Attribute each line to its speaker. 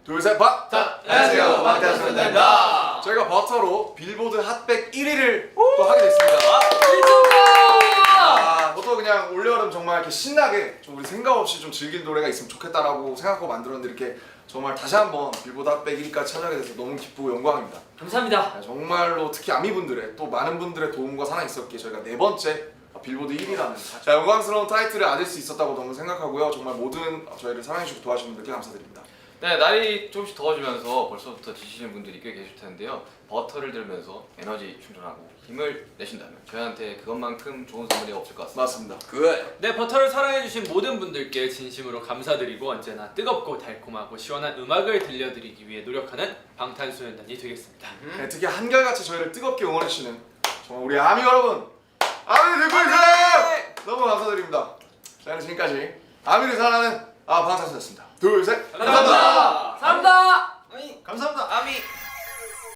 Speaker 1: 둘, 셋, 박!
Speaker 2: 자, 안녕하세요. 방탄소년단입니다.
Speaker 1: 저희가 버터로 빌보드 핫백 1위를 또 하게 됐습니다. 저도 그냥 올여름 정말 이렇게 신나게 좀 우리 생각 없이 좀 즐길 노래가 있으면 좋겠다라고 생각하고 만들었는데 이렇게 정말 다시 한번 빌보드 핫백 1위까지 찾아가게 돼서 너무 기쁘고 영광입니다.
Speaker 2: 감사합니다.
Speaker 1: 정말로 특히 아미분들의 또 많은 분들의 도움과 사랑이 있었기에 저희가 네 번째 빌보드 1위라는 영광스러운 타이틀을 얻을 수 있었다고 너무 생각하고요. 정말 모든 저희를 사랑해주고 도와주신 분들께 감사드립니다.
Speaker 3: 네, 날이 조금씩 더워지면서 벌써부터 지치시는 분들이 꽤 계실 텐데요. 버터를 들면서 에너지 충전하고 힘을 내신다면 저희한테 그것만큼 좋은 선물이 없을 것 같습니다.
Speaker 1: 맞습니다.
Speaker 4: 네, 버터를 사랑해주신 모든 분들께 진심으로 감사드리고 언제나 뜨겁고 달콤하고 시원한 음악을 들려드리기 위해 노력하는 방탄소년단이 되겠습니다.
Speaker 1: 네, 특히 한결같이 저희를 뜨겁게 응원해주시는 정말 우리 아미 여러분, 아미 듣고 있어요! 너무 감사드립니다. 저희는 지금까지 아미를 사랑하는 방탄소년단이었습니다. 둘, 셋,
Speaker 4: 감사합니다.